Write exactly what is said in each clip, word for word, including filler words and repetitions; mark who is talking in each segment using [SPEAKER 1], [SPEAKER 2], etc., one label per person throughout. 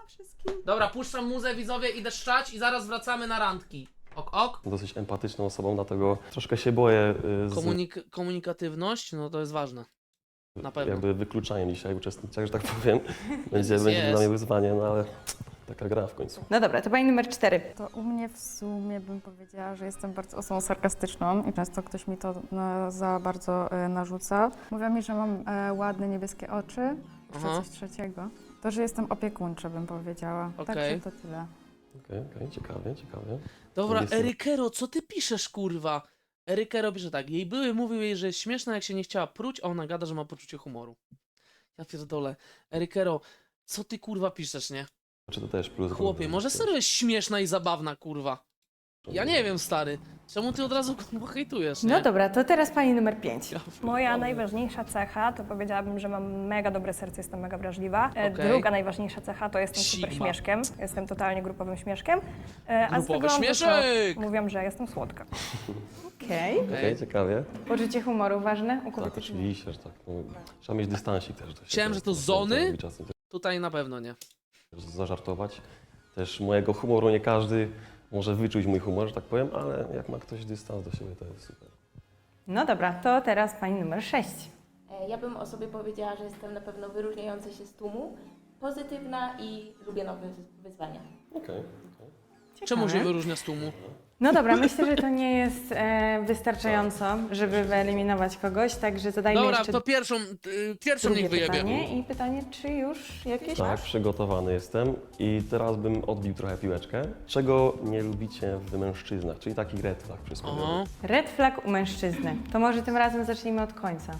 [SPEAKER 1] wszystkim.
[SPEAKER 2] Dobra, puszczam muzę, widzowie, idę szczać i zaraz wracamy na randki. Ok, ok.
[SPEAKER 3] Dosyć empatyczną osobą, dlatego troszkę się boję y, z
[SPEAKER 2] Komunik komunikatywność, no to jest ważne. Na pewno.
[SPEAKER 3] jakby wykluczaniem dzisiaj uczestniczek, że tak powiem. Będzie,
[SPEAKER 2] Jest,
[SPEAKER 3] będzie
[SPEAKER 2] jest.
[SPEAKER 3] dla mnie wyzwanie, no ale taka gra w końcu.
[SPEAKER 1] No dobra, to pani numer cztery.
[SPEAKER 4] To u mnie w sumie bym powiedziała, że jestem bardzo osobą sarkastyczną i często ktoś mi to no, za bardzo e, narzuca. Mówią mi, że mam e, ładne niebieskie oczy, czy
[SPEAKER 2] Aha.
[SPEAKER 4] coś trzeciego. To, że jestem opiekuńcza, bym powiedziała.
[SPEAKER 2] Okej.
[SPEAKER 4] Także to tyle.
[SPEAKER 3] Okej, okay, okay, ciekawie, ciekawie.
[SPEAKER 2] Dobra,
[SPEAKER 3] Jest-
[SPEAKER 2] Erykero, co ty piszesz, kurwa? Erykero pisze tak, jej były mówił jej, że jest śmieszna, jak się nie chciała pruć, a ona gada, że ma poczucie humoru. Ja pierdolę. Erykero, co ty, kurwa, piszesz, nie?
[SPEAKER 3] Czy to też plus?
[SPEAKER 2] Chłopie, może serio jest śmieszna i zabawna, kurwa. Ja nie wiem, stary. Czemu ty od razu kurwa hejtujesz, nie?
[SPEAKER 1] No dobra, to teraz pani numer pięć.
[SPEAKER 2] Ja
[SPEAKER 5] Moja
[SPEAKER 2] pierdolę.
[SPEAKER 5] najważniejsza cecha to powiedziałabym, że mam mega dobre serce, jestem mega wrażliwa. E,
[SPEAKER 2] Okej.
[SPEAKER 5] Druga najważniejsza cecha to jestem super
[SPEAKER 2] Sigma.
[SPEAKER 5] śmieszkiem. Jestem totalnie grupowym śmieszkiem. E, A z
[SPEAKER 2] Grupowy
[SPEAKER 5] wyglądu to
[SPEAKER 2] śmieszek!
[SPEAKER 5] mówią, że jestem słodka.
[SPEAKER 1] Okej.
[SPEAKER 3] Okej, okay, ciekawie.
[SPEAKER 1] Poczucie humoru ważne u
[SPEAKER 3] Tak,
[SPEAKER 1] kobiety?
[SPEAKER 3] oczywiście, że tak. No, trzeba mieć dystansik też. Do siebie.
[SPEAKER 2] Myślałem, że to
[SPEAKER 3] Czasem
[SPEAKER 2] zony?
[SPEAKER 3] robi Czasem
[SPEAKER 2] Tutaj na pewno nie.
[SPEAKER 3] też zażartować. Też mojego humoru nie każdy może wyczuć mój humor, że tak powiem, ale jak ma ktoś dystans do siebie, to jest super.
[SPEAKER 1] No dobra, to teraz pani numer sześć.
[SPEAKER 6] E, Ja bym o sobie powiedziała, że jestem na pewno wyróżniająca się z tłumu, pozytywna i lubię nowe wyzwania.
[SPEAKER 3] Okej.
[SPEAKER 2] Czemu się wyróżnia z tłumu?
[SPEAKER 1] No dobra, myślę, że to nie jest e, wystarczająco, żeby wyeliminować kogoś, także zadajmy
[SPEAKER 2] Dobra,
[SPEAKER 1] jeszcze
[SPEAKER 2] to pierwszą, y, pierwszą
[SPEAKER 1] drugie
[SPEAKER 2] niech wyjebie.
[SPEAKER 1] pytanie. I pytanie, czy już jakieś
[SPEAKER 3] Tak,
[SPEAKER 1] masz?
[SPEAKER 3] przygotowany jestem i teraz bym odbił trochę piłeczkę. Czego nie lubicie w mężczyznach, czyli taki red flag przysłowiowy.
[SPEAKER 2] Aha.
[SPEAKER 1] Red flag u mężczyzny. To może tym razem zacznijmy od końca.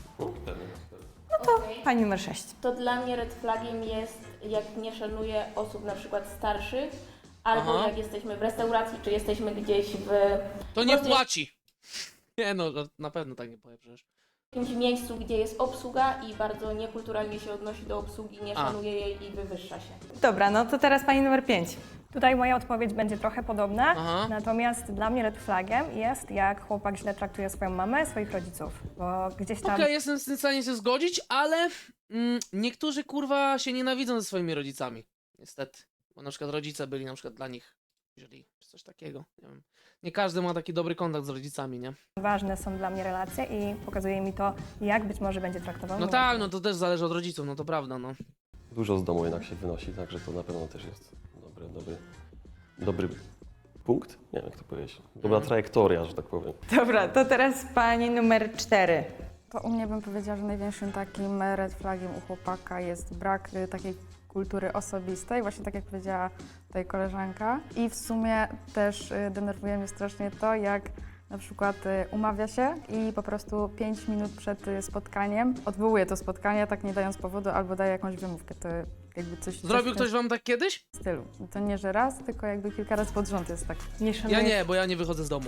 [SPEAKER 6] Okej.
[SPEAKER 1] Pani numer sześć.
[SPEAKER 6] To dla mnie red flagiem jest, jak nie szanuję osób na przykład starszych, albo
[SPEAKER 2] Aha.
[SPEAKER 6] jak jesteśmy w restauracji, czy jesteśmy gdzieś w
[SPEAKER 2] To nie
[SPEAKER 6] Może-
[SPEAKER 2] płaci. Nie no, na pewno tak nie powie przecież.
[SPEAKER 6] jakimś miejscu, gdzie jest obsługa i bardzo niekulturalnie się odnosi do obsługi, nie
[SPEAKER 2] A.
[SPEAKER 6] szanuje jej i wywyższa się.
[SPEAKER 1] Dobra, no to teraz pani numer pięć.
[SPEAKER 5] Tutaj moja odpowiedź będzie trochę podobna,
[SPEAKER 2] Aha.
[SPEAKER 5] natomiast dla mnie red flagiem jest, jak chłopak źle traktuje swoją mamę, swoich rodziców, bo gdzieś tam...
[SPEAKER 2] Okej, jestem w stanie się zgodzić, ale mm, niektórzy kurwa się nienawidzą ze swoimi rodzicami. Niestety. Bo na przykład rodzice byli na przykład dla nich źli, czy coś takiego. Nie wiem. Nie każdy ma taki dobry kontakt z rodzicami, nie?
[SPEAKER 5] Ważne są dla mnie relacje i pokazuje mi to, jak być może będzie traktował
[SPEAKER 2] No
[SPEAKER 5] mnie.
[SPEAKER 2] tak, no to też zależy od rodziców, no to prawda, no.
[SPEAKER 3] Dużo z domu jednak się wynosi, także to na pewno też jest dobry, dobry, dobry punkt. Nie wiem, jak to powiedzieć. Dobra trajektoria, że tak powiem.
[SPEAKER 1] Dobra, to teraz pani numer cztery.
[SPEAKER 4] To u mnie bym powiedziała, że największym takim red flagiem u chłopaka jest brak y, takiej kultury osobistej, właśnie tak jak powiedziała tutaj koleżanka. I w sumie też y, denerwuje mnie strasznie to, jak na przykład y, umawia się i po prostu pięć minut przed y, spotkaniem odwołuje to spotkanie, tak nie dając powodu, albo daje jakąś wymówkę. To jakby coś coś
[SPEAKER 2] Zrobił
[SPEAKER 4] w tym
[SPEAKER 2] ktoś wam tak kiedyś?
[SPEAKER 4] stylu. To nie, że raz, tylko jakby kilka razy pod rząd jest tak.
[SPEAKER 1] Nie szanuję...
[SPEAKER 2] Ja nie, bo ja nie wychodzę z domu.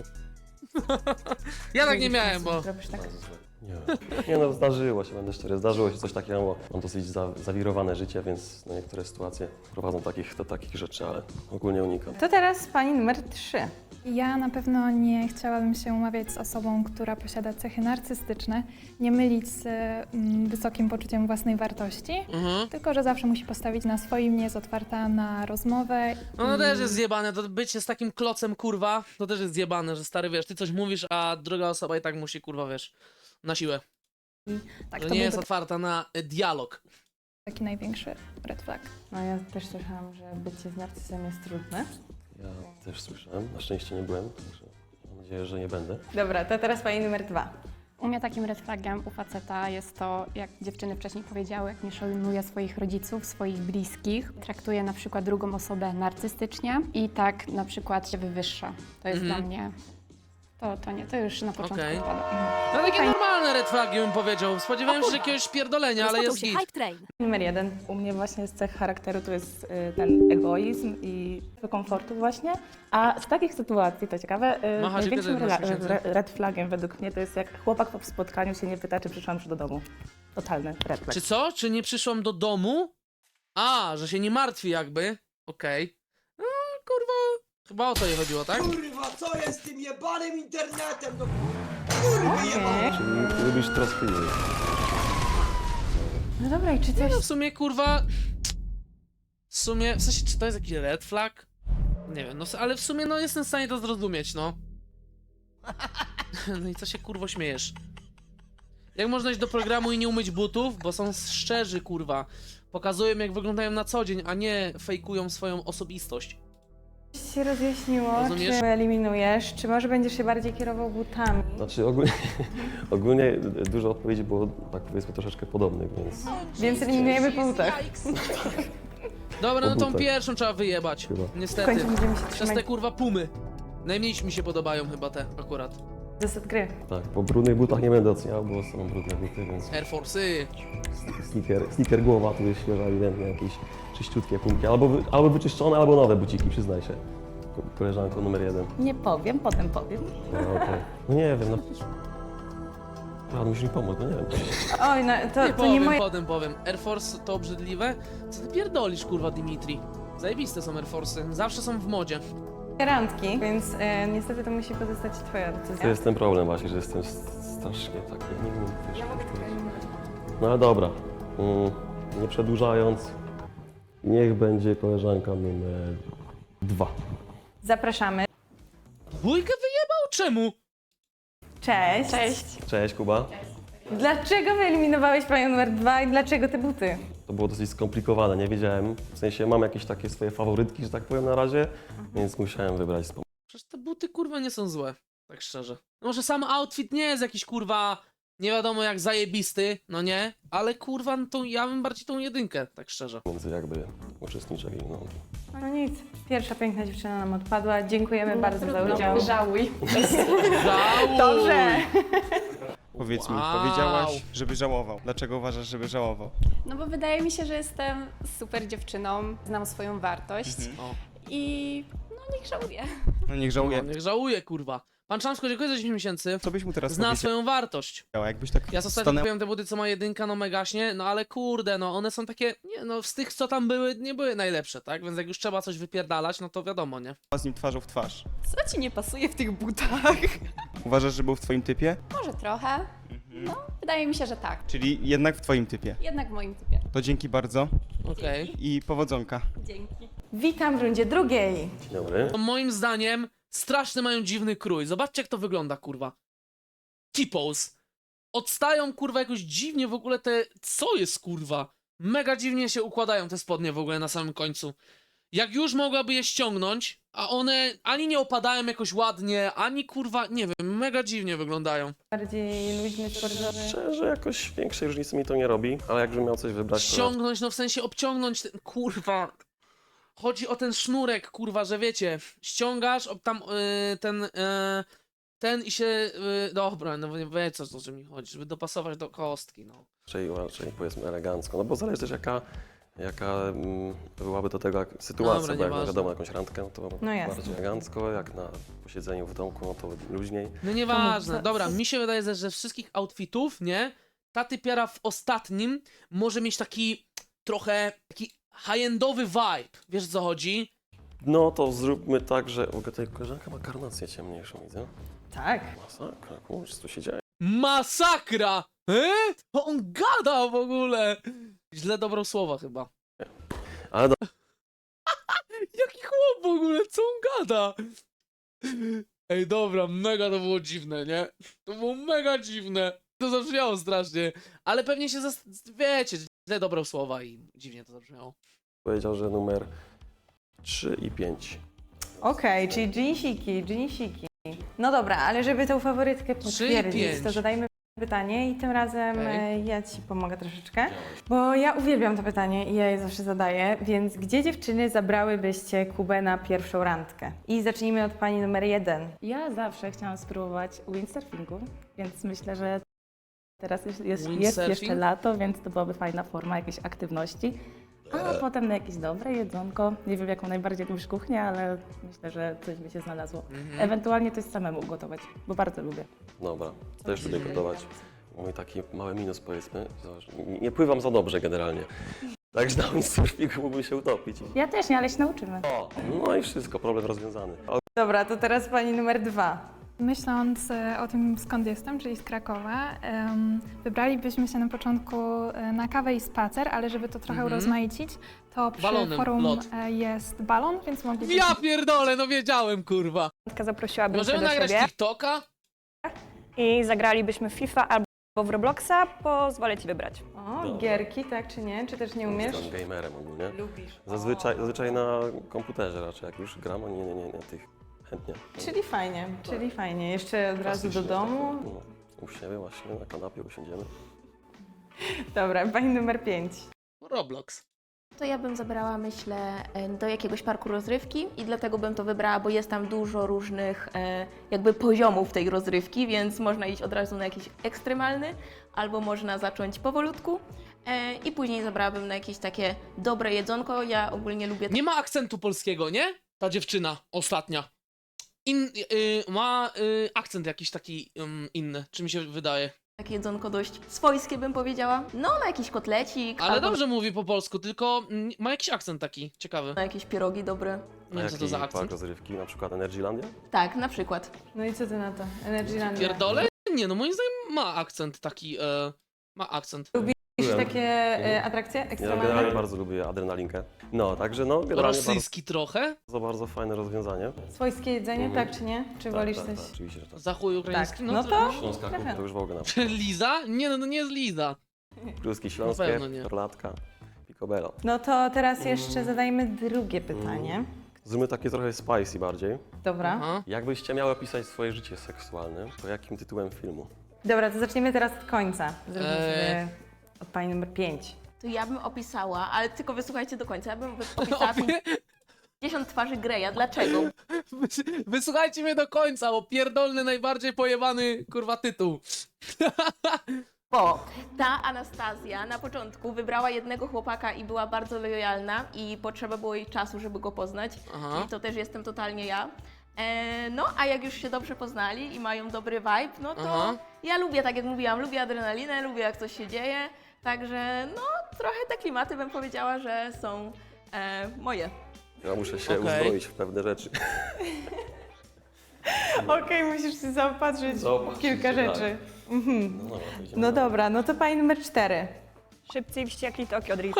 [SPEAKER 2] Ja tak nie miałem, bo...
[SPEAKER 1] Robisz tak.
[SPEAKER 3] Nie. nie no, zdarzyło się, będę szczery, zdarzyło się coś takiego, bo mam dosyć za, zawirowane życie, więc no, niektóre sytuacje prowadzą takich, do takich rzeczy, ale ogólnie unikam.
[SPEAKER 1] To teraz pani numer trzy.
[SPEAKER 7] Ja na pewno nie chciałabym się umawiać z osobą, która posiada cechy narcystyczne, nie mylić z mm, wysokim poczuciem własnej wartości,
[SPEAKER 2] Mhm.
[SPEAKER 7] tylko że zawsze musi postawić na swoim, nie jest otwarta na rozmowę.
[SPEAKER 2] No to
[SPEAKER 7] i-
[SPEAKER 2] też jest zjebane, to bycie z takim klocem, kurwa, to też jest zjebane, że stary, wiesz, ty coś mówisz, a druga osoba i tak musi, kurwa, wiesz, na siłę.
[SPEAKER 7] tak,
[SPEAKER 2] Że
[SPEAKER 7] to
[SPEAKER 2] nie jest
[SPEAKER 7] byłby
[SPEAKER 2] otwarta na e, dialog.
[SPEAKER 7] taki największy red flag.
[SPEAKER 1] No ja też słyszałam, że bycie z narcyzem jest trudne.
[SPEAKER 3] Ja też słyszałem, na szczęście nie byłem, także mam nadzieję, że nie będę.
[SPEAKER 1] Dobra, to teraz pani numer dwa.
[SPEAKER 8] U mnie takim red flagiem u faceta jest to, jak dziewczyny wcześniej powiedziały, jak nie szanuje swoich rodziców, swoich bliskich, traktuje na przykład drugą osobę narcystycznie i tak na przykład się wywyższa. To jest
[SPEAKER 2] Mhm.
[SPEAKER 8] dla mnie, to, to nie, to już na początku
[SPEAKER 2] Okej.
[SPEAKER 8] odpada.
[SPEAKER 2] No takie normalne red flagi bym powiedział. Spodziewałem się jakiegoś pierdolenia, ale jest git.
[SPEAKER 1] Numer jeden.
[SPEAKER 9] U mnie właśnie z cech charakteru to jest y, ten egoizm i komfortu właśnie. A z takich sytuacji, to ciekawe, y,
[SPEAKER 2] Macha się
[SPEAKER 9] największym
[SPEAKER 2] kiedy masz
[SPEAKER 9] rela-
[SPEAKER 2] miesięcy?
[SPEAKER 9] re- red flagiem według mnie to jest jak chłopak po spotkaniu się nie pyta, czy przyszłam już do domu. Totalny red flag.
[SPEAKER 2] Czy co? Czy nie przyszłam do domu? A, że się nie martwi jakby. Okej. No, kurwa, chyba o to jej chodziło, tak?
[SPEAKER 10] Kurwa, co jest z tym jebanym internetem? No kurwa jebane!
[SPEAKER 3] Czyli lubisz troskę innych.
[SPEAKER 1] No dobra, i czy coś...
[SPEAKER 2] No w sumie, kurwa... w sumie, w sensie, czy to jest jakiś red flag? Nie wiem, no ale w sumie, no jestem w stanie to zrozumieć, no. No i co się kurwo śmiejesz? Jak można iść do programu i nie umyć butów? Bo są szczerzy, kurwa. Pokazują, jak wyglądają na co dzień, a nie fejkują swoją osobistość.
[SPEAKER 1] się rozjaśniło,
[SPEAKER 2] Rozumiesz?
[SPEAKER 1] czy eliminujesz, czy może będziesz się bardziej kierował butami?
[SPEAKER 3] Znaczy ogólnie, ogólnie dużo odpowiedzi było, tak powiedzmy, troszeczkę podobnych, więc
[SPEAKER 1] Więc eliminujemy po butach.
[SPEAKER 2] Dobra, no tą
[SPEAKER 3] butach.
[SPEAKER 2] pierwszą trzeba wyjebać.
[SPEAKER 3] Chyba.
[SPEAKER 1] W
[SPEAKER 2] Niestety.
[SPEAKER 1] końcu będziemy się
[SPEAKER 2] Przez
[SPEAKER 1] trzymać
[SPEAKER 2] te kurwa pumy. Najmniej mi się podobają chyba te akurat.
[SPEAKER 1] zasad gry.
[SPEAKER 3] tak, po brudnych butach nie będę oceniał, bo są brudne buty, więc
[SPEAKER 2] Air Force'y.
[SPEAKER 3] sneaker, sneaker głowa, tu jest świeża, ewidentnie jakieś czyściutkie pumki, albo, wy, albo wyczyszczone, albo nowe buciki, przyznaj się. Ko- Koleżanko numer jeden.
[SPEAKER 9] Nie powiem, potem powiem.
[SPEAKER 3] No, okej. No nie wiem, no. Ja, musisz mi pomóc, no nie wiem.
[SPEAKER 1] Oj, no to,
[SPEAKER 2] Nie
[SPEAKER 1] to
[SPEAKER 2] powiem,
[SPEAKER 1] nie moje
[SPEAKER 2] potem powiem. Air Force to obrzydliwe? Co ty pierdolisz, kurwa, Dimitri? Zajebiste są Air Force'y. Zawsze są w modzie.
[SPEAKER 1] randki, więc e, niestety to musi pozostać twoja
[SPEAKER 3] To
[SPEAKER 1] decyzja.
[SPEAKER 3] jest ten problem właśnie, że jestem s- strasznie taki, nie wiem, wiesz, ja mogę No ale dobra, mm, nie przedłużając, niech będzie koleżanka numer dwa.
[SPEAKER 1] Zapraszamy.
[SPEAKER 2] Bójkę wyjebał? Czemu?
[SPEAKER 1] Cześć.
[SPEAKER 8] Cześć.
[SPEAKER 3] Cześć Kuba.
[SPEAKER 1] Dlaczego wyeliminowałeś panią numer dwa i dlaczego te buty?
[SPEAKER 3] To było dosyć skomplikowane, nie wiedziałem, w sensie mam jakieś takie swoje faworytki, że tak powiem na razie, więc musiałem wybrać z pom-
[SPEAKER 2] Przecież te buty, kurwa, nie są złe. Tak szczerze. Może sam outfit nie jest jakiś, kurwa, nie wiadomo jak zajebisty, no nie? Ale, kurwa, no to ja bym bardziej tą jedynkę, tak szczerze.
[SPEAKER 3] między jakby uczestniczyli. No.
[SPEAKER 1] No nic, pierwsza piękna dziewczyna nam odpadła. Dziękujemy bardzo za udział.
[SPEAKER 8] Żałuj.
[SPEAKER 2] Żałuj!
[SPEAKER 1] Dobrze.
[SPEAKER 11] Powiedz mi,
[SPEAKER 2] Wow.
[SPEAKER 11] powiedziałaś, żeby żałował. Dlaczego uważasz, żeby żałował?
[SPEAKER 8] No bo wydaje mi się, że jestem super dziewczyną, znam swoją wartość
[SPEAKER 2] O,
[SPEAKER 8] i no niech żałuje.
[SPEAKER 11] No niech żałuje.
[SPEAKER 2] no, niech żałuje, kurwa. Pan Czamsko, dziękuję za dziesięć miesięcy.
[SPEAKER 11] Co byś mu teraz
[SPEAKER 2] Zna
[SPEAKER 11] powiedział?
[SPEAKER 2] swoją wartość.
[SPEAKER 11] Jakbyś tak
[SPEAKER 2] Ja ostatnio
[SPEAKER 11] stanęła
[SPEAKER 2] kupiłem te buty, co ma jedynka, no megaśnie, no ale kurde, no one są takie, nie no, z tych, co tam były, nie były najlepsze, tak? Więc jak już trzeba coś wypierdalać, no to wiadomo, nie?
[SPEAKER 11] z nim twarzą w twarz.
[SPEAKER 8] Co ci nie pasuje w tych butach?
[SPEAKER 11] Uważasz, że był w twoim typie?
[SPEAKER 8] Może trochę. No, wydaje mi się, że tak.
[SPEAKER 11] Czyli jednak w twoim typie.
[SPEAKER 8] Jednak w moim typie.
[SPEAKER 11] To dzięki bardzo
[SPEAKER 2] Okej.
[SPEAKER 11] i powodzonka.
[SPEAKER 8] Dzięki.
[SPEAKER 1] Witam w rundzie drugiej.
[SPEAKER 3] Dzień dobry.
[SPEAKER 2] To moim zdaniem straszny mają dziwny krój. Zobaczcie, jak to wygląda, kurwa. T-pose. Odstają, kurwa, jakoś dziwnie w ogóle te... Co jest, kurwa? Mega dziwnie się układają te spodnie w ogóle na samym końcu. Jak już mogłaby je ściągnąć, a one ani nie opadają jakoś ładnie, ani, kurwa, nie wiem, mega dziwnie wyglądają.
[SPEAKER 1] Bardziej luźny, sportowy.
[SPEAKER 3] Szczerze, jakoś większej różnicy mi to nie robi, ale jakbym miał coś wybrać, to...
[SPEAKER 2] Ściągnąć, no w sensie obciągnąć ten... Kurwa... Chodzi o ten sznurek, kurwa, że wiecie, ściągasz ob- tam yy, ten, yy, ten i się, yy, dobra, no nie wiecie o co mi chodzi, żeby dopasować do kostki, no.
[SPEAKER 3] Raczej, raczej powiedzmy elegancko, no bo zależy też jaka, jaka mm, byłaby do tego jak- sytuacja,
[SPEAKER 2] Dobra,
[SPEAKER 3] bo jak
[SPEAKER 2] nieważne.
[SPEAKER 3] wiadomo jakąś randkę, no to
[SPEAKER 1] No jasne.
[SPEAKER 3] bardziej elegancko, jak na posiedzeniu w domku, no to luźniej.
[SPEAKER 2] No nieważne,
[SPEAKER 1] co-
[SPEAKER 2] dobra, mi się wydaje, że ze wszystkich outfitów, nie, ta typiara w ostatnim może mieć taki trochę, taki high-endowy vibe, wiesz o co chodzi?
[SPEAKER 3] No to zróbmy tak, że w ogóle tutaj koleżanka ma karnację ciemniejszą, widzę.
[SPEAKER 1] Tak.
[SPEAKER 3] Masakra, kurczę, co tu się dzieje?
[SPEAKER 2] Masakra! E? To on gada w ogóle! Źle dobrał słowa chyba.
[SPEAKER 3] Ale do...
[SPEAKER 2] Jaki chłop w ogóle, co on gada? Ej, dobra, mega to było dziwne, nie? To było mega dziwne. To zabrzmiało strasznie. Ale pewnie się, zas... wiecie, źle dobrał słowa i dziwnie to zabrzmiało.
[SPEAKER 3] powiedział, że numer trzy i pięć.
[SPEAKER 1] Okej, czyli dżinsiki, dżinsiki. No dobra, ale żeby tą faworytkę
[SPEAKER 2] Trzy i
[SPEAKER 1] potwierdzić,
[SPEAKER 2] pięć.
[SPEAKER 1] to zadajmy pytanie i tym razem
[SPEAKER 2] Okej.
[SPEAKER 1] e, ja Ci pomogę troszeczkę, bo ja uwielbiam to pytanie i ja je zawsze zadaję, więc gdzie dziewczyny zabrałybyście Kubę na pierwszą randkę? I zacznijmy od Pani numer jeden.
[SPEAKER 9] Ja zawsze chciałam spróbować windsurfingu, więc myślę, że teraz jest, jest, jest
[SPEAKER 2] Windsurfing?
[SPEAKER 9] jeszcze lato, więc to byłaby fajna forma jakiejś aktywności. A potem na jakieś dobre jedzonko. Nie wiem, jaką najbardziej lubisz kuchnię, ale myślę, że coś by się znalazło.
[SPEAKER 2] Mhm.
[SPEAKER 9] Ewentualnie coś samemu gotować, bo bardzo lubię.
[SPEAKER 3] Dobra, też lubię gotować. Mój taki mały minus powiedzmy, zobacz, nie, nie pływam za dobrze generalnie. Także na windsurfingu mógłbym się utopić.
[SPEAKER 9] Ja też nie, ale się nauczymy.
[SPEAKER 3] O, no i wszystko, problem rozwiązany. O,
[SPEAKER 1] Dobra, to teraz Pani numer dwa.
[SPEAKER 7] Myśląc e, o tym, skąd jestem, czyli z Krakowa, em, wybralibyśmy się na początku e, na kawę i spacer, ale żeby to trochę
[SPEAKER 2] Mhm.
[SPEAKER 7] urozmaicić, to przy
[SPEAKER 2] Balonem,
[SPEAKER 7] forum
[SPEAKER 2] lot.
[SPEAKER 7] e, jest balon, więc moglibyśmy...
[SPEAKER 2] Ja pierdolę, no wiedziałem, kurwa.
[SPEAKER 5] Zaprosiłabym
[SPEAKER 2] Możemy
[SPEAKER 5] cię do
[SPEAKER 2] nagrać
[SPEAKER 5] siebie
[SPEAKER 2] TikToka?
[SPEAKER 5] i zagralibyśmy w FIFA albo w Robloxa, pozwolę ci wybrać.
[SPEAKER 1] O,
[SPEAKER 3] Dobra.
[SPEAKER 1] gierki, tak czy nie? Czy też nie umiesz?
[SPEAKER 3] Jestem gamerem ogólnie.
[SPEAKER 1] Lubisz.
[SPEAKER 3] Zazwyczaj, zazwyczaj na komputerze raczej, jak już gram, a nie, nie, nie, nie tych chętnie.
[SPEAKER 1] Czyli fajnie, czyli fajnie. Jeszcze od razu do
[SPEAKER 3] Klasycznie,
[SPEAKER 1] domu.
[SPEAKER 3] tak, no, u siebie właśnie, na kanapie usiądziemy.
[SPEAKER 1] Dobra, pani numer pięć.
[SPEAKER 2] Roblox.
[SPEAKER 6] To ja bym zabrała, myślę, e, do jakiegoś parku rozrywki i dlatego bym to wybrała, bo jest tam dużo różnych e, jakby poziomów tej rozrywki, więc można iść od razu na jakiś ekstremalny, albo można zacząć powolutku e, i później zabrałabym na jakieś takie dobre jedzonko. Ja ogólnie lubię
[SPEAKER 2] Nie ma akcentu polskiego, nie? Ta dziewczyna ostatnia. In, y, ma y, akcent jakiś taki ym, inny, czy mi się wydaje.
[SPEAKER 6] takie jedzonko dość swojskie, bym powiedziała. No, na jakiś kotlecik,
[SPEAKER 2] Ale
[SPEAKER 6] albo
[SPEAKER 2] dobrze mówi po polsku, tylko mm, ma jakiś akcent taki ciekawy.
[SPEAKER 6] na jakieś pierogi dobre.
[SPEAKER 2] Nie wiem, co to za
[SPEAKER 3] park
[SPEAKER 2] akcent.
[SPEAKER 3] rozrywki, na przykład Energylandia?
[SPEAKER 6] Tak, na przykład.
[SPEAKER 1] No i co ty na to? Energylandia.
[SPEAKER 2] Pierdolę? Nie, no moim zdaniem ma akcent taki, e, ma akcent.
[SPEAKER 1] Lubisz
[SPEAKER 3] Byłem.
[SPEAKER 1] takie e, atrakcje
[SPEAKER 3] Ja
[SPEAKER 1] ekstremalne?
[SPEAKER 3] generalnie bardzo lubię adrenalinkę. No, także no, generalnie
[SPEAKER 2] Rosyjski trochę?
[SPEAKER 3] bardzo, bardzo fajne rozwiązanie.
[SPEAKER 1] Swojskie jedzenie,
[SPEAKER 3] Mhm.
[SPEAKER 1] tak czy nie? Czy
[SPEAKER 3] Tak,
[SPEAKER 1] wolisz
[SPEAKER 3] tak,
[SPEAKER 1] coś?
[SPEAKER 3] tak, oczywiście, że tak.
[SPEAKER 2] Zachuj ukraiński?
[SPEAKER 1] Tak, no to-
[SPEAKER 3] Śląska
[SPEAKER 1] Trochę.
[SPEAKER 3] to już w ogóle na
[SPEAKER 2] Czy Liza? Nie, no, no nie jest Liza.
[SPEAKER 3] Kluski
[SPEAKER 2] Na
[SPEAKER 3] śląskie,
[SPEAKER 2] pewno nie.
[SPEAKER 3] perlatka, picobello.
[SPEAKER 1] No to teraz jeszcze zadajmy drugie pytanie.
[SPEAKER 3] Zróbmy takie trochę spicy bardziej.
[SPEAKER 1] Dobra.
[SPEAKER 2] Aha.
[SPEAKER 3] Jakbyście miały opisać swoje życie seksualne, to jakim tytułem filmu?
[SPEAKER 1] Dobra, to zaczniemy teraz od końca. Zrobimy
[SPEAKER 2] Eee.
[SPEAKER 1] sobie od pani numer pięć.
[SPEAKER 6] To ja bym opisała, ale tylko wysłuchajcie do końca, ja bym wy- opisała pięćdziesiąt twarzy Greya. Dlaczego?
[SPEAKER 2] Wys- Wysłuchajcie mnie do końca, bo pierdolny najbardziej pojebany kurwa tytuł.
[SPEAKER 6] Bo ta Anastazja na początku wybrała jednego chłopaka i była bardzo lojalna i potrzeba było jej czasu, żeby go poznać.
[SPEAKER 2] Aha.
[SPEAKER 6] I to też jestem totalnie ja. E, no, a jak już się dobrze poznali i mają dobry vibe, no to
[SPEAKER 2] Aha.
[SPEAKER 6] ja lubię, tak jak mówiłam, lubię adrenalinę, lubię jak coś się dzieje. Także no, trochę te klimaty bym powiedziała, że są e, moje.
[SPEAKER 3] Ja muszę się
[SPEAKER 2] Okej.
[SPEAKER 3] uzbroić w pewne rzeczy.
[SPEAKER 1] Okej, musisz się zaopatrzyć w
[SPEAKER 3] Zaopatrzyć
[SPEAKER 1] kilka
[SPEAKER 3] się, tak.
[SPEAKER 1] rzeczy. Mhm.
[SPEAKER 3] No, dobra, to idziemy
[SPEAKER 1] No
[SPEAKER 3] dalej.
[SPEAKER 1] dobra, no to pani numer cztery.
[SPEAKER 5] Szybcy i wściekli Tokio Drift.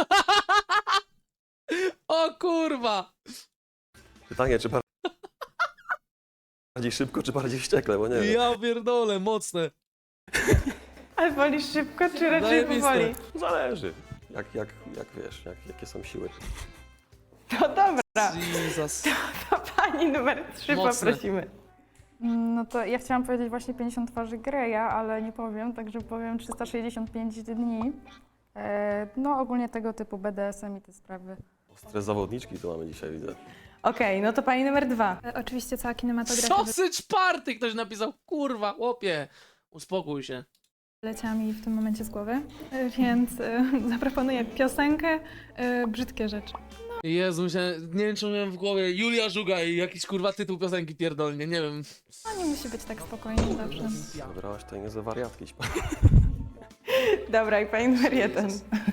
[SPEAKER 2] O kurwa!
[SPEAKER 3] Pytanie, czy bardziej szybko, czy bardziej wściekle, bo nie wiem.
[SPEAKER 2] Ja pierdolę, mocne.
[SPEAKER 1] Ale wolisz szybko, czy raczej
[SPEAKER 2] Zajebiste.
[SPEAKER 1] powoli?
[SPEAKER 3] Zależy. Jak, jak, jak wiesz, jak, jakie są siły.
[SPEAKER 1] No dobra,
[SPEAKER 2] Jesus.
[SPEAKER 1] to pani numer trzy
[SPEAKER 2] Mocne.
[SPEAKER 1] poprosimy.
[SPEAKER 4] No to ja chciałam powiedzieć właśnie pięćdziesiąt twarzy Greya, ale nie powiem, także powiem trzysta sześćdziesiąt pięć dni. E, no ogólnie tego typu B D S M i te sprawy.
[SPEAKER 3] Stres zawodniczki tu mamy dzisiaj, widzę.
[SPEAKER 1] Okej, no to pani numer dwa.
[SPEAKER 7] E, Oczywiście cała kinematografia
[SPEAKER 2] Sausage Party ktoś napisał, kurwa, chłopie. Uspokój się.
[SPEAKER 7] wyleciała mi w tym momencie z głowy, e, więc e, zaproponuję piosenkę e, Brzydkie rzeczy.
[SPEAKER 2] Jezu, myślałem, nie wiem czy miałem w głowie Julia Żuga i jakiś kurwa tytuł piosenki pierdolnie, nie wiem.
[SPEAKER 7] No nie musi być tak spokojnie zawsze.
[SPEAKER 3] Wybrałaś tutaj niezłe wariatki.
[SPEAKER 1] Dobra, i pani numer jeden.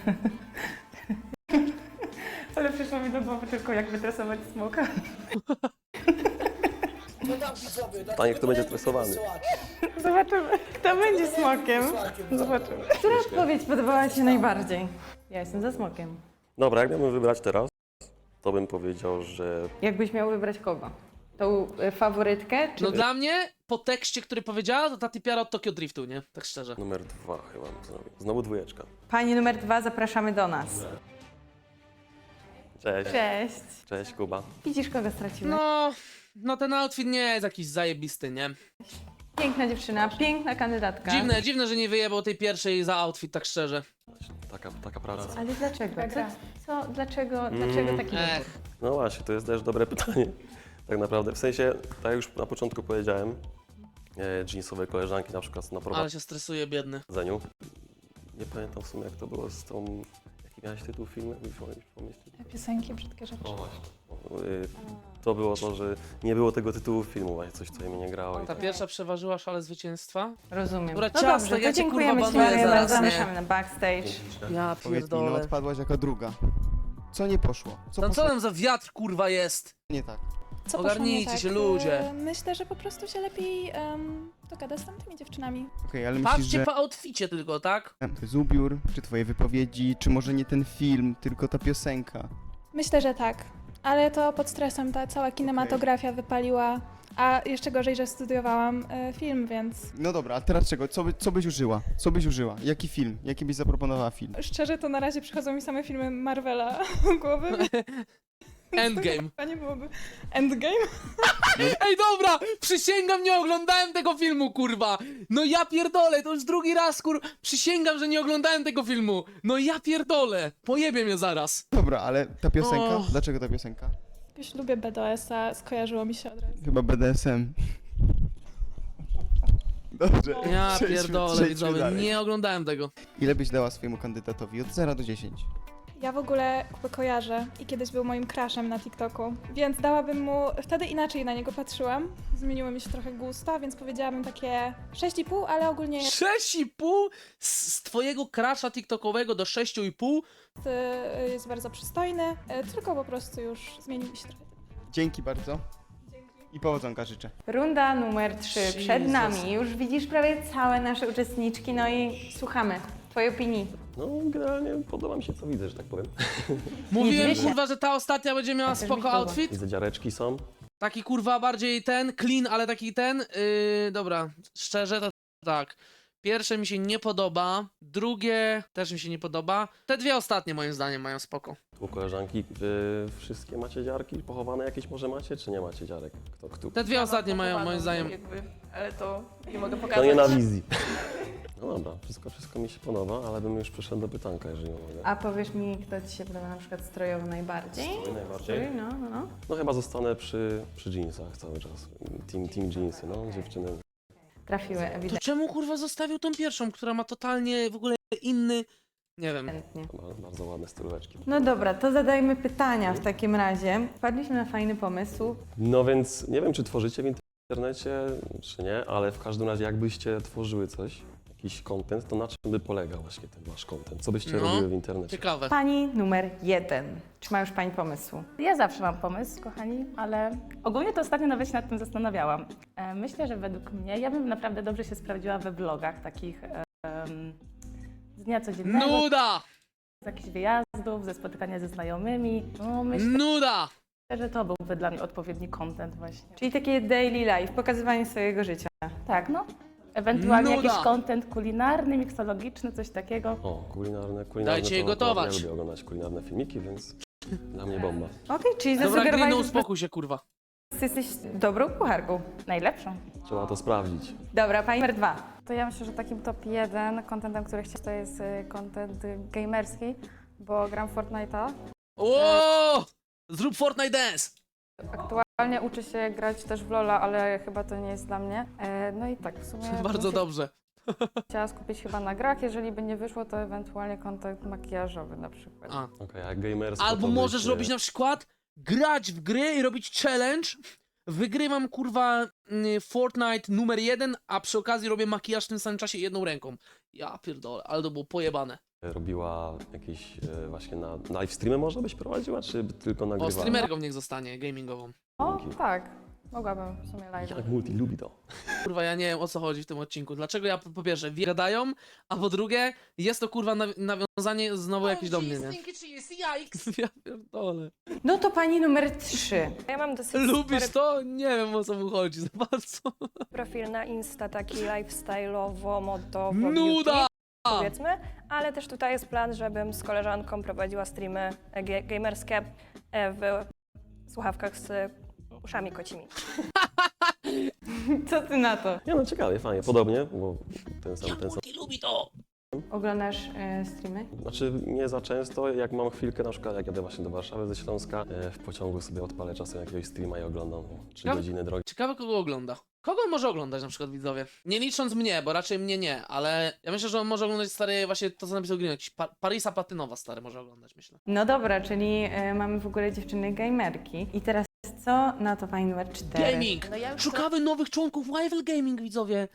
[SPEAKER 1] Ale przyszło mi do głowy tylko jak wytresować smoka.
[SPEAKER 3] Pytanie, kto będzie stresowany?
[SPEAKER 1] Zobaczymy, kto będzie smokiem. Zobaczymy. Która odpowiedź podobała ci się najbardziej? Ja jestem za smokiem.
[SPEAKER 3] Dobra, jak miałbym wybrać teraz, to bym powiedział, że
[SPEAKER 1] Jakbyś miał wybrać kogo? Tą y, faworytkę, czy...
[SPEAKER 2] No dla mnie, po tekście, który powiedziała, to ta typiara od Tokyo Driftu, nie? Tak szczerze.
[SPEAKER 3] numer dwa chyba bym zrobił. Znowu dwójeczka.
[SPEAKER 1] Pani numer dwa, zapraszamy do nas.
[SPEAKER 3] Cześć.
[SPEAKER 1] Cześć.
[SPEAKER 3] Cześć, Kuba.
[SPEAKER 1] Widzisz, kogo straciłeś?
[SPEAKER 2] No, no ten outfit nie jest jakiś zajebisty, nie?
[SPEAKER 1] Piękna dziewczyna, piękna kandydatka.
[SPEAKER 2] Dziwne, dziwne, że nie wyjebał tej pierwszej za outfit, tak szczerze.
[SPEAKER 3] Taka, taka praca.
[SPEAKER 1] Ale dlaczego?
[SPEAKER 7] Taka gra.
[SPEAKER 1] Co, dlaczego,
[SPEAKER 3] Mm.
[SPEAKER 1] dlaczego taki wybór?
[SPEAKER 2] Ech,
[SPEAKER 3] No właśnie, to jest też dobre pytanie. Tak naprawdę, w sensie, tak jak już na początku powiedziałem, e, jeansowe koleżanki na przykład na
[SPEAKER 2] ale się stresuje, biedny.
[SPEAKER 3] prowadzeniu. Nie pamiętam w sumie jak to było z tą... Jaki miałeś tytuł filmu? Jakbyś mogłeś pomyśleć?
[SPEAKER 7] Piosenki Brzydkie rzeczy.
[SPEAKER 3] O właśnie. Y, To było to, że nie było tego tytułu filmu, właśnie coś, co mi nie grało. I
[SPEAKER 2] Ta pierwsza przeważyła szale zwycięstwa.
[SPEAKER 1] Rozumiem.
[SPEAKER 2] Dobra,
[SPEAKER 1] no
[SPEAKER 2] ciasto,
[SPEAKER 1] dobrze,
[SPEAKER 2] ja
[SPEAKER 1] to
[SPEAKER 2] cię,
[SPEAKER 1] dziękujemy
[SPEAKER 2] kurwa,
[SPEAKER 1] Ci,
[SPEAKER 2] banuję
[SPEAKER 1] Mariana,
[SPEAKER 2] zaraz, nie?
[SPEAKER 1] zapraszamy na backstage.
[SPEAKER 2] Ja
[SPEAKER 11] Powiedz mi, no
[SPEAKER 2] pierdolę.
[SPEAKER 11] odpadłaś jako druga. Co nie poszło? Co
[SPEAKER 2] Tam co
[SPEAKER 11] poszło
[SPEAKER 2] tam za wiatr, kurwa, jest?
[SPEAKER 11] nie tak?
[SPEAKER 7] Co
[SPEAKER 2] Ogarnijcie
[SPEAKER 7] poszło nie
[SPEAKER 2] się, ludzie.
[SPEAKER 7] E, Myślę, że po prostu się lepiej em, dogada z tamtymi dziewczynami.
[SPEAKER 11] Okej, ale myślisz,
[SPEAKER 2] Patrzcie
[SPEAKER 11] że
[SPEAKER 2] po outficie tylko, tak?
[SPEAKER 11] to jest ubiór, czy twoje wypowiedzi, czy może nie ten film, tylko ta piosenka?
[SPEAKER 7] Myślę, że tak. Ale to pod stresem ta cała kinematografia wypaliła. A jeszcze gorzej, że studiowałam e, film, więc
[SPEAKER 11] No dobra, a teraz czego? Co, by, co byś użyła? Co byś użyła? Jaki film? Jaki byś zaproponowała film?
[SPEAKER 7] szczerze to na razie przychodzą mi same filmy Marvela do głowy.
[SPEAKER 2] Endgame.
[SPEAKER 7] To nie byłoby Endgame?
[SPEAKER 2] Ej, dobra! Przysięgam, nie oglądałem tego filmu, kurwa! No ja pierdolę, to już drugi raz, kur... Przysięgam, że nie oglądałem tego filmu! No ja pierdolę! Pojebie mnie zaraz!
[SPEAKER 11] Dobra, ale ta piosenka?
[SPEAKER 2] Och.
[SPEAKER 11] Dlaczego ta piosenka?
[SPEAKER 7] Jakoś lubię B D S-a, skojarzyło mi się od razu.
[SPEAKER 11] Chyba B D S M. Dobrze,
[SPEAKER 2] Ja
[SPEAKER 11] przejdźmy-
[SPEAKER 2] pierdolę,
[SPEAKER 11] przejdźmy
[SPEAKER 2] widzowie,
[SPEAKER 11] dalej.
[SPEAKER 2] nie oglądałem tego.
[SPEAKER 11] Ile byś dała swojemu kandydatowi? Od zera do dziesięciu.
[SPEAKER 7] Ja w ogóle Kubę kojarzę i kiedyś był moim crushem na TikToku, więc dałabym mu, wtedy inaczej na niego patrzyłam, zmieniły mi się trochę gusta, więc powiedziałabym takie sześć i pół, ale ogólnie jest,
[SPEAKER 2] sześć i pół z z twojego crasha tiktokowego do sześciu i pół?
[SPEAKER 7] y, jest bardzo przystojny, y, tylko po prostu już zmienił mi się trochę.
[SPEAKER 11] Dzięki bardzo. I powodzonka życzę.
[SPEAKER 1] Runda numer trzy przed
[SPEAKER 2] Jesus.
[SPEAKER 1] nami. Już widzisz prawie całe nasze uczestniczki, no i słuchamy twojej opinii.
[SPEAKER 3] No generalnie podoba mi się co widzę, że tak powiem.
[SPEAKER 2] Mówiłem,
[SPEAKER 1] Widzicie?
[SPEAKER 2] kurwa, że ta ostatnia będzie miała
[SPEAKER 1] też mi się
[SPEAKER 2] spoko
[SPEAKER 1] podoba.
[SPEAKER 2] outfit.
[SPEAKER 3] Widzę dziareczki są.
[SPEAKER 2] Taki kurwa bardziej ten, clean, ale taki ten. Yy, dobra, szczerze to tak. Pierwsze mi się nie podoba, drugie też mi się nie podoba. Te dwie ostatnie moim zdaniem mają spoko.
[SPEAKER 3] U koleżanki wy wszystkie macie dziarki? Pochowane jakieś może macie, czy nie macie dziarek? Kto, kto?
[SPEAKER 2] Te dwie ostatnie mają moim zdaniem.
[SPEAKER 6] Jakby, ale to nie mogę
[SPEAKER 3] To
[SPEAKER 6] pokazać.
[SPEAKER 3] nie na wizji. No dobra, wszystko, wszystko mi się podoba, ale bym już przyszedł do pytanka, jeżeli mogę.
[SPEAKER 1] A powiesz mi, kto ci się podoba na przykład strojowo najbardziej?
[SPEAKER 3] Strój najbardziej?
[SPEAKER 1] Strój, no, no, no.
[SPEAKER 3] No chyba zostanę przy, przy jeansach cały czas. Team, team jeansy, no dziewczyny.
[SPEAKER 1] Trafiły
[SPEAKER 2] To
[SPEAKER 1] ewidentnie.
[SPEAKER 2] czemu kurwa zostawił tą pierwszą, która ma totalnie w ogóle inny. Nie wiem.
[SPEAKER 3] Ba- Bardzo ładne stylóweczki.
[SPEAKER 1] No dobra, to zadajmy pytania w takim razie. Wpadliśmy na fajny pomysł.
[SPEAKER 3] No więc nie wiem, czy tworzycie w internecie, czy nie, ale w każdym razie jakbyście tworzyły coś, jakiś content, to na czym by polegał właśnie ten wasz content? Co byście
[SPEAKER 2] No,
[SPEAKER 3] robiły w internecie?
[SPEAKER 2] Ciekawe.
[SPEAKER 1] Pani numer jeden. Czy ma już pani pomysł?
[SPEAKER 9] Ja zawsze mam pomysł, kochani, ale ogólnie to ostatnio nawet się nad tym zastanawiałam. E, Myślę, że według mnie, ja bym naprawdę dobrze się sprawdziła we vlogach takich em, z dnia codziennego,
[SPEAKER 2] Nuda!
[SPEAKER 9] z jakichś wyjazdów, ze spotykania ze znajomymi. No, myślę,
[SPEAKER 2] Nuda!
[SPEAKER 9] że to byłby dla mnie odpowiedni content właśnie.
[SPEAKER 1] Czyli takie daily life, pokazywanie swojego życia.
[SPEAKER 9] Tak, no. Ewentualnie
[SPEAKER 2] Nuda.
[SPEAKER 9] jakiś content kulinarny, miksologiczny, coś takiego.
[SPEAKER 3] O, kulinarne, kulinarne.
[SPEAKER 2] Dajcie jej
[SPEAKER 3] to akurat
[SPEAKER 2] gotować.
[SPEAKER 3] Ja lubię oglądać kulinarne filmiki, więc dla mnie bomba.
[SPEAKER 1] Okej, czyli
[SPEAKER 2] Dobra,
[SPEAKER 1] zasugerowałeś,
[SPEAKER 2] Grino,
[SPEAKER 1] że
[SPEAKER 2] uspokój się, kurwa.
[SPEAKER 1] jesteś dobrą kucharką.
[SPEAKER 9] Najlepszą.
[SPEAKER 3] Trzeba to sprawdzić.
[SPEAKER 1] Dobra, pani numer dwa.
[SPEAKER 4] To ja myślę, że takim top jeden contentem, który chciałam, to jest y, content y, gamerski, bo gram w Fortnite'a.
[SPEAKER 2] O! Zrób Fortnite Dance!
[SPEAKER 4] Aktualnie uczę się grać też w LoL'a, ale chyba to nie jest dla mnie. E, no i tak, w sumie
[SPEAKER 2] Bardzo
[SPEAKER 4] bym się
[SPEAKER 2] dobrze.
[SPEAKER 4] chciała skupić chyba na grach. Jeżeli by nie wyszło, to ewentualnie content makijażowy na przykład.
[SPEAKER 2] A.
[SPEAKER 3] Okej, a gamersko
[SPEAKER 2] Albo
[SPEAKER 3] to
[SPEAKER 2] możesz
[SPEAKER 3] bycie-
[SPEAKER 2] robić na przykład grać w gry i robić challenge. Wygrywam kurwa mm, Fortnite numer jeden, a przy okazji robię makijaż w tym samym czasie jedną ręką. Ja pierdolę, ale to było pojebane.
[SPEAKER 3] Robiła jakieś e, właśnie na live streamy może byś prowadziła, czy tylko
[SPEAKER 2] O,
[SPEAKER 3] nagrywała?
[SPEAKER 2] streamerką niech zostanie, gamingową.
[SPEAKER 4] O, tak, mogłabym w sumie live.
[SPEAKER 3] Jak multi lubi to.
[SPEAKER 2] Kurwa, ja nie wiem o co chodzi w tym odcinku. Dlaczego ja po po pierwsze wie- gadają, a po drugie jest to kurwa nawi- nawiązanie znowu jakieś do mnie, nie? Ja pierdolę.
[SPEAKER 1] No to pani numer trzy.
[SPEAKER 5] Ja mam dosyć
[SPEAKER 2] Lubisz
[SPEAKER 5] spory
[SPEAKER 2] to? Nie wiem o co mu chodzi za bardzo.
[SPEAKER 5] profil na Insta, taki lifestyle'owo, modowo,
[SPEAKER 2] Nuda!
[SPEAKER 5] beauty, powiedzmy, ale też tutaj jest plan, żebym z koleżanką prowadziła streamy e, ge- gamerskie e, w słuchawkach z uszami kocimi.
[SPEAKER 1] Co ty na to?
[SPEAKER 3] Nie no, ciekawie, fajnie, podobnie, bo ten sam, ten sam.
[SPEAKER 2] lubi to!
[SPEAKER 1] Oglądasz e, streamy?
[SPEAKER 3] Znaczy nie za często, jak mam chwilkę, na przykład jak jadę właśnie do Warszawy ze Śląska, e, w pociągu sobie odpalę czasem jakiegoś streama i oglądam trzy
[SPEAKER 2] Ja-
[SPEAKER 3] godziny drogi.
[SPEAKER 2] Ciekawe kogo ogląda. Kogo on może oglądać na przykład widzowie? Nie licząc mnie, bo raczej mnie nie, ale ja myślę, że on może oglądać stary właśnie to co napisał Green, jakiś pa Parisa Platynowa stary może oglądać, myślę.
[SPEAKER 1] No dobra, czyli e, mamy w ogóle dziewczyny gamerki. I teraz co na to pani numer cztery?
[SPEAKER 2] Gaming!
[SPEAKER 6] No ja już
[SPEAKER 2] Szukamy nowych członków Rival Gaming widzowie!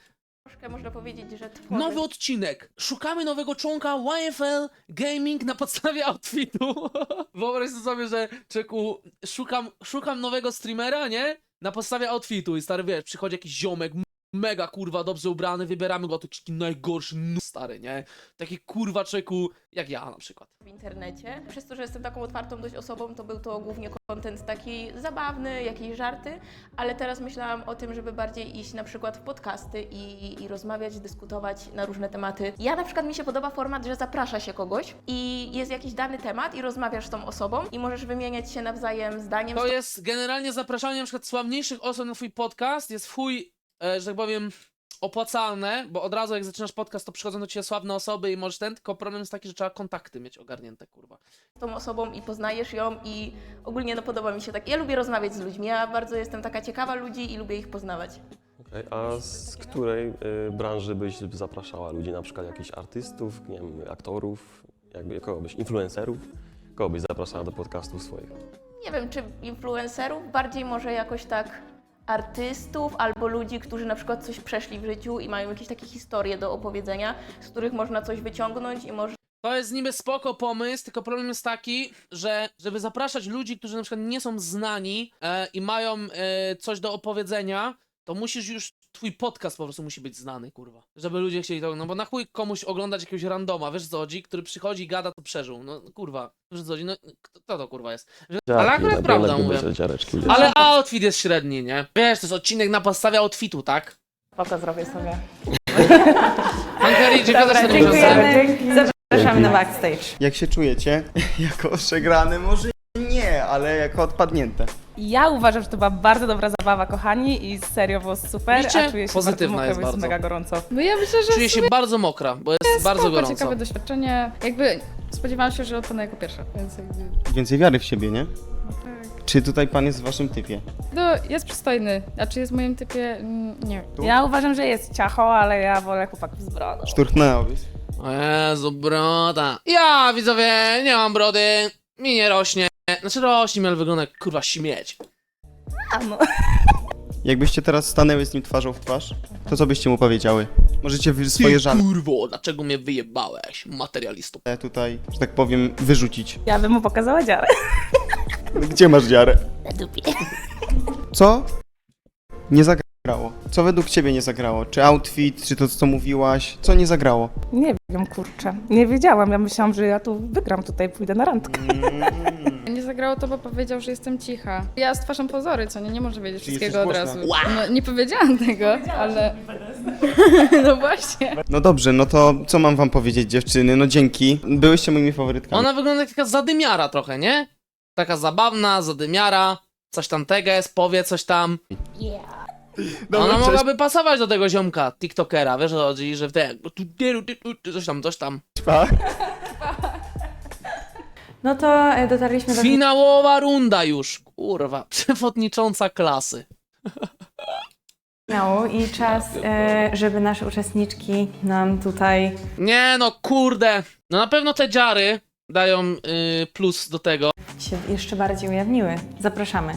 [SPEAKER 6] troszkę można powiedzieć, że tworzy.
[SPEAKER 2] Nowy odcinek. Szukamy nowego członka Y F L Gaming na podstawie outfitu. Wyobraź sobie, że czeku, szukam, szukam nowego streamera, nie? Na podstawie outfitu i stary, wiesz, przychodzi jakiś ziomek, m- mega kurwa dobrze ubrany, wybieramy go, taki najgorszy n- stary, nie? Taki kurwa czeku, jak ja na przykład.
[SPEAKER 6] W internecie. Przez to, że jestem taką otwartą dość osobą, to był to głównie content taki zabawny, jakieś żarty, ale teraz myślałam o tym, żeby bardziej iść na przykład w podcasty i, i rozmawiać, dyskutować na różne tematy. Ja na przykład mi się podoba format, że zaprasza się kogoś i jest jakiś dany temat i rozmawiasz z tą osobą i możesz wymieniać się nawzajem zdaniem.
[SPEAKER 2] To jest generalnie zapraszanie na przykład sławniejszych osób na twój podcast, jest w chuj, e, że tak powiem, opłacalne, bo od razu jak zaczynasz podcast, to przychodzą do ciebie sławne osoby i możesz ten, tylko problem jest taki, że trzeba kontakty mieć ogarnięte, kurwa.
[SPEAKER 6] Z tą osobą i poznajesz ją i ogólnie no podoba mi się tak. Ja lubię rozmawiać z ludźmi, ja bardzo jestem taka ciekawa ludzi i lubię ich poznawać.
[SPEAKER 3] Okej, a z której y, branży byś zapraszała ludzi, na przykład jakichś artystów, nie wiem, aktorów, jakby kogo byś, influencerów? Kogo byś zapraszała do podcastów swoich?
[SPEAKER 6] Nie wiem, czy influencerów, bardziej może jakoś tak artystów albo ludzi, którzy na przykład coś przeszli w życiu i mają jakieś takie historie do opowiedzenia, z których można coś wyciągnąć i może
[SPEAKER 2] To jest niby spoko pomysł, tylko problem jest taki, że żeby zapraszać ludzi, którzy na przykład nie są znani e, i mają e, coś do opowiedzenia, to musisz już, twój podcast po prostu musi być znany, kurwa. Żeby ludzie chcieli to, no bo na chuj komuś oglądać jakiegoś randoma, wiesz co chodzi, który przychodzi i gada, to przeżył. No kurwa, wiesz co chodzi, no kto to kurwa jest? Że, ale akurat prawda mówię.
[SPEAKER 3] Dziareczki,
[SPEAKER 2] Ale outfit jest średni, nie? Wiesz, to jest odcinek na podstawie outfitu, tak?
[SPEAKER 9] Spoko, zrobię sobie.
[SPEAKER 2] Hankeri,
[SPEAKER 1] Dobra, dziękujemy. Zapraszamy na backstage.
[SPEAKER 11] Jak się czujecie? Jako przegrane może nie, ale jako odpadnięte.
[SPEAKER 9] Ja uważam, że to była bardzo dobra zabawa, kochani, i serio było super,
[SPEAKER 2] Widzicie?
[SPEAKER 9] a czuję się
[SPEAKER 2] Pozytywna
[SPEAKER 9] bardzo
[SPEAKER 2] jest
[SPEAKER 9] mokro, bo jest
[SPEAKER 2] bardzo.
[SPEAKER 9] mega gorąco.
[SPEAKER 7] No ja myślę, że
[SPEAKER 2] Czuję się bardzo mokra, bo jest bardzo
[SPEAKER 7] spoko,
[SPEAKER 2] gorąco.
[SPEAKER 7] ciekawe doświadczenie. Jakby spodziewałam się, że odpadnę jako pierwsza, więc jakby...
[SPEAKER 11] Więcej wiary w siebie, nie? Czy tutaj pan jest w waszym typie?
[SPEAKER 7] No, jest przystojny, a czy jest w moim typie? Mm, Nie wiem.
[SPEAKER 9] Ja uważam, że jest ciacho, ale ja wolę chłopaków z brodą.
[SPEAKER 11] Szturchnęłabyś?
[SPEAKER 2] O Jezu, broda. Ja, widzowie, nie mam brody, mi nie rośnie. Znaczy rośnie mi, ale wygląda jak kurwa śmieć.
[SPEAKER 9] A no.
[SPEAKER 11] Jakbyście teraz stanęły z nim twarzą w twarz, to co byście mu powiedziały? Możecie wy swoje
[SPEAKER 2] Ty
[SPEAKER 11] żale
[SPEAKER 2] kurwo, dlaczego mnie wyjebałeś, materialistu?
[SPEAKER 11] tutaj, że tak powiem, wyrzucić.
[SPEAKER 9] Ja bym mu pokazała dziarę.
[SPEAKER 11] Gdzie masz dziarę? Co? Nie zagrało. Co według ciebie nie zagrało? Czy outfit, czy to co mówiłaś? Co nie zagrało?
[SPEAKER 9] Nie wiem, kurczę. Nie wiedziałam, ja myślałam, że ja tu wygram tutaj, pójdę na randkę.
[SPEAKER 7] Nie zagrało to, bo powiedział, że jestem cicha. Ja stwarzam pozory, co nie? Nie może wiedzieć
[SPEAKER 11] Czyli
[SPEAKER 7] wszystkiego od
[SPEAKER 11] jesteś
[SPEAKER 7] razu.
[SPEAKER 11] głośna.
[SPEAKER 7] No, nie powiedziałam tego, ale... No właśnie.
[SPEAKER 11] No dobrze, no to co mam wam powiedzieć, dziewczyny? No dzięki. Byłyście moimi faworytkami.
[SPEAKER 2] Ona wygląda jak taka zadymiara trochę, nie? Taka zabawna, zadymiara, coś tam teges, powie coś tam.
[SPEAKER 11] Dobra,
[SPEAKER 2] Ona
[SPEAKER 11] cześć.
[SPEAKER 2] mogłaby pasować do tego ziomka, tiktokera, wiesz o co chodzi, że w te... coś tam, coś tam.
[SPEAKER 11] Pa.
[SPEAKER 1] No to e, dotarliśmy do
[SPEAKER 2] Finałowa runda już, kurwa, przewodnicząca klasy.
[SPEAKER 1] finału i czas, e, żeby nasze uczestniczki nam tutaj...
[SPEAKER 2] Nie no, kurde. No na pewno te dziary dają y, plus do tego.
[SPEAKER 1] się jeszcze bardziej ujawniły. Zapraszamy.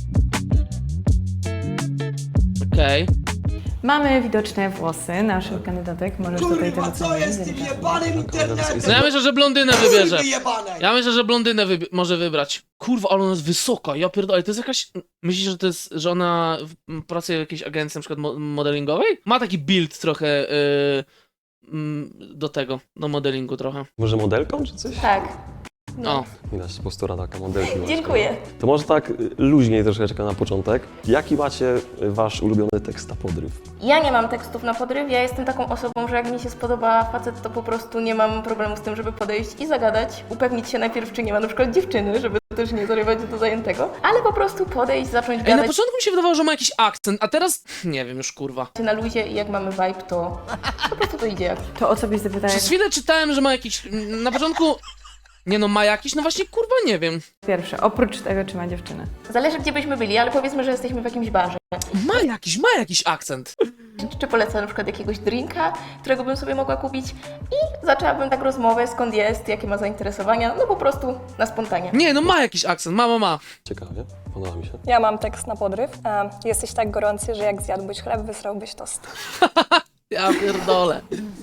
[SPEAKER 2] Okej.
[SPEAKER 1] Mamy widoczne włosy naszych kandydatek. Możesz tutaj
[SPEAKER 10] Kurwa,
[SPEAKER 1] to
[SPEAKER 10] co jest z tym jebanym internetem?
[SPEAKER 2] No ja myślę, że blondynę wybierze.
[SPEAKER 10] Kurwy jebane!
[SPEAKER 2] Ja myślę, że blondynę wybi- może wybrać. Kurwa, ale ona jest wysoka, ja pierdolę, to jest jakaś... Myślisz, że to jest, że ona w- m, pracuje w jakiejś agencji na przykład mo- modelingowej? Ma taki build trochę y, mm, do tego, do modelingu trochę.
[SPEAKER 3] Może modelką czy coś?
[SPEAKER 6] tak.
[SPEAKER 2] O,
[SPEAKER 3] Widać, postura taka modelki. masz.
[SPEAKER 6] Dziękuję.
[SPEAKER 3] To może tak y, luźniej troszeczkę na początek. Jaki macie y, wasz ulubiony tekst na podryw?
[SPEAKER 6] Ja nie mam tekstów na podryw, ja jestem taką osobą, że jak mi się spodoba facet, to po prostu nie mam problemu z tym, żeby podejść i zagadać, upewnić się najpierw, czy nie ma na przykład dziewczyny, żeby też nie zarywać do zajętego, ale po prostu podejść, zacząć
[SPEAKER 2] ej, na
[SPEAKER 6] gadać
[SPEAKER 2] początku mi się wydawało, że ma jakiś akcent, a teraz nie wiem już, kurwa.
[SPEAKER 6] na luzie i jak mamy vibe, to po prostu to idzie jak.
[SPEAKER 1] To o co byś zapytała
[SPEAKER 2] Przez chwilę czytałem, że ma jakiś... Na początku... Nie no, ma jakiś? No właśnie, kurwa, nie wiem.
[SPEAKER 1] pierwsze, oprócz tego, czy ma dziewczynę.
[SPEAKER 6] Zależy, gdzie byśmy byli, ale powiedzmy, że jesteśmy w jakimś barze.
[SPEAKER 2] Ma jakiś, ma jakiś akcent.
[SPEAKER 6] Czy polecę na przykład jakiegoś drinka, którego bym sobie mogła kupić i zaczęłabym tak rozmowę, skąd jest, jakie ma zainteresowania, no po prostu na spontanie.
[SPEAKER 2] Nie, no ma jakiś akcent, ma, ma, ma.
[SPEAKER 3] Ciekawie, podoba mi się.
[SPEAKER 5] Ja mam tekst na podryw. E, Jesteś tak gorący, że jak zjadłbyś chleb, wysrałbyś tost.
[SPEAKER 2] Ja pierdolę.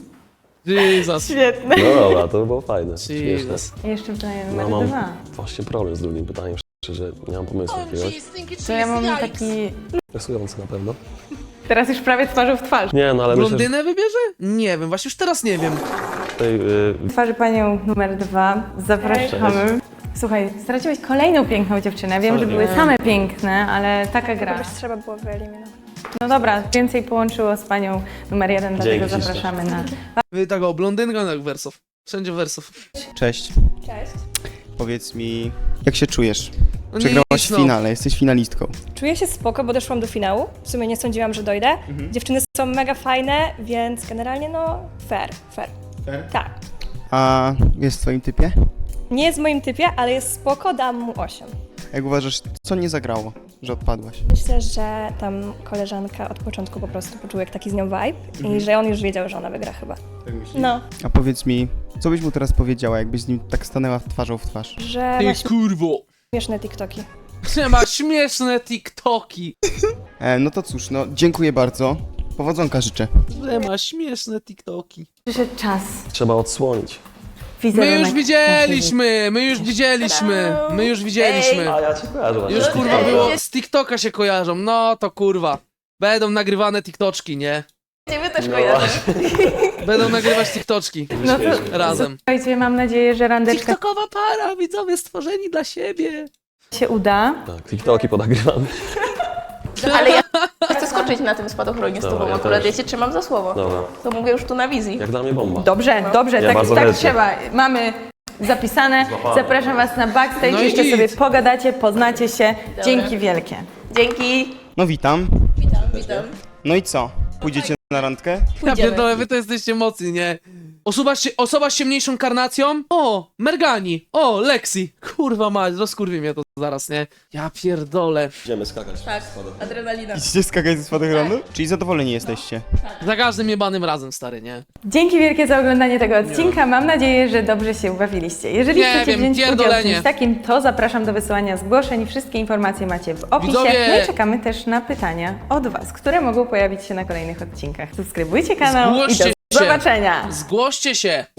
[SPEAKER 2] Jesus.
[SPEAKER 1] Świetne.
[SPEAKER 3] No dobra, to było fajne. Śmieszne.
[SPEAKER 2] Jesus.
[SPEAKER 1] Jeszcze pytanie numer
[SPEAKER 3] No mam
[SPEAKER 1] dwa.
[SPEAKER 3] właśnie problem z drugim pytaniem, szczerze, nie mam pomysłu jakiegoś.
[SPEAKER 1] To ja mam taki...
[SPEAKER 3] Stresujący na pewno.
[SPEAKER 1] Teraz już prawie twarzą w twarz.
[SPEAKER 3] Nie, no ale myślę, że
[SPEAKER 2] Blondynę wybierze? Nie wiem, właśnie już teraz nie wiem.
[SPEAKER 3] tutaj... Yy,
[SPEAKER 1] Twarzy panią numer dwa. Zapraszamy. Słuchaj, straciłeś kolejną piękną dziewczynę. Wiem, że
[SPEAKER 3] Sorry.
[SPEAKER 1] były same piękne, ale taka gra.
[SPEAKER 5] Kogoś trzeba było wyeliminować.
[SPEAKER 1] No dobra, więcej połączyło z panią numer jeden, dlatego
[SPEAKER 3] Dzięki ślicznie.
[SPEAKER 1] zapraszamy na...
[SPEAKER 2] Wy tak o, blondynka jak wersów. Wszędzie wersów.
[SPEAKER 11] Cześć.
[SPEAKER 5] Cześć.
[SPEAKER 11] Powiedz mi, jak się czujesz?
[SPEAKER 2] No
[SPEAKER 11] Przegrałaś
[SPEAKER 2] nic,
[SPEAKER 11] w
[SPEAKER 2] no.
[SPEAKER 11] finale, jesteś finalistką.
[SPEAKER 5] Czuję się spoko, bo doszłam do finału. W sumie nie sądziłam, że dojdę. Dziewczyny są mega fajne, więc generalnie no fair, fair.
[SPEAKER 11] Fair?
[SPEAKER 5] Tak.
[SPEAKER 11] A jest w twoim typie?
[SPEAKER 5] Nie jest w moim typie, ale jest spoko, dam mu osiem.
[SPEAKER 11] Jak uważasz, co nie zagrało, że odpadłaś?
[SPEAKER 5] Myślę, że tam koleżanka od początku po prostu poczuł jak taki z nią vibe i że on już wiedział, że ona wygra chyba.
[SPEAKER 11] Tak myślisz?
[SPEAKER 5] No,
[SPEAKER 11] A powiedz mi, co byś mu teraz powiedziała, jakbyś z nim tak stanęła twarzą w twarz?
[SPEAKER 5] że
[SPEAKER 2] Ty
[SPEAKER 5] ma
[SPEAKER 2] kurwo.
[SPEAKER 5] śmieszne TikToki.
[SPEAKER 2] Że ma śmieszne TikToki.
[SPEAKER 11] E, no to cóż, no dziękuję bardzo. Powodzonka życzę.
[SPEAKER 2] Że ma śmieszne TikToki.
[SPEAKER 1] Przyszedł czas.
[SPEAKER 3] trzeba odsłonić.
[SPEAKER 2] My
[SPEAKER 1] Wizerunek
[SPEAKER 2] już widzieliśmy, my już widzieliśmy, my już widzieliśmy.
[SPEAKER 3] A ja cię kojarzę właśnie.
[SPEAKER 2] Już kurwa było, z TikToka się kojarzą, no to kurwa. Będą nagrywane TikToczki, nie?
[SPEAKER 6] Ciebie też
[SPEAKER 3] No
[SPEAKER 6] kojarzę.
[SPEAKER 2] Będą nagrywać TikToczki
[SPEAKER 1] No to
[SPEAKER 2] razem.
[SPEAKER 1] słuchajcie, mam nadzieję, że randeczka
[SPEAKER 2] TikTokowa para, widzowie stworzeni dla siebie.
[SPEAKER 1] się uda.
[SPEAKER 3] Tak, TikToki ponagrywamy.
[SPEAKER 6] Ale ja chcę skoczyć na tym spadochronie z
[SPEAKER 3] Dobra,
[SPEAKER 6] tobą
[SPEAKER 3] ja
[SPEAKER 6] akurat,
[SPEAKER 3] też.
[SPEAKER 6] ja cię trzymam za słowo.
[SPEAKER 3] Dobra,
[SPEAKER 6] To mówię już tu na wizji.
[SPEAKER 3] jak dla mnie bomba.
[SPEAKER 1] Dobrze, dobrze,
[SPEAKER 3] Ja
[SPEAKER 1] tak,
[SPEAKER 3] bardzo
[SPEAKER 1] tak
[SPEAKER 3] chętnie.
[SPEAKER 1] trzeba. Mamy zapisane.
[SPEAKER 3] Złapane.
[SPEAKER 1] Zapraszam was na backstage,
[SPEAKER 2] No i
[SPEAKER 1] jeszcze
[SPEAKER 2] git.
[SPEAKER 1] sobie pogadacie, poznacie się. Dzięki wielkie.
[SPEAKER 6] Dzięki.
[SPEAKER 11] No witam.
[SPEAKER 6] Witam, witam.
[SPEAKER 11] No i co? Pójdziecie na randkę?
[SPEAKER 2] Ja pierdolę, wy to jesteście mocni, nie? Osoba, z- osoba z ciemniejszą karnacją? O, Mergani. O, Lexi. Kurwa mać, rozkurwi mnie to zaraz, nie? Ja pierdolę.
[SPEAKER 3] Idziemy skakać.
[SPEAKER 6] Tak, adrenalina.
[SPEAKER 11] Idziecie skakać ze spadochronu? Czyli zadowoleni jesteście?
[SPEAKER 2] Za każdym jebanym razem, stary, nie?
[SPEAKER 1] Dzięki wielkie za oglądanie tego odcinka. Mam nadzieję, że dobrze się ubawiliście. Jeżeli
[SPEAKER 2] Nie
[SPEAKER 1] chcecie
[SPEAKER 2] wiem,
[SPEAKER 1] wziąć udział w
[SPEAKER 2] pierdolenie.
[SPEAKER 1] czymś takim, to zapraszam do wysyłania zgłoszeń. Wszystkie informacje macie w opisie.
[SPEAKER 2] Widzowie.
[SPEAKER 1] No i czekamy też na pytania od was, które mogą pojawić się na kolejnych odcinkach. Subskrybujcie kanał i
[SPEAKER 2] Zgłoście
[SPEAKER 1] do
[SPEAKER 2] się.
[SPEAKER 1] zobaczenia!
[SPEAKER 2] Zgłoście się.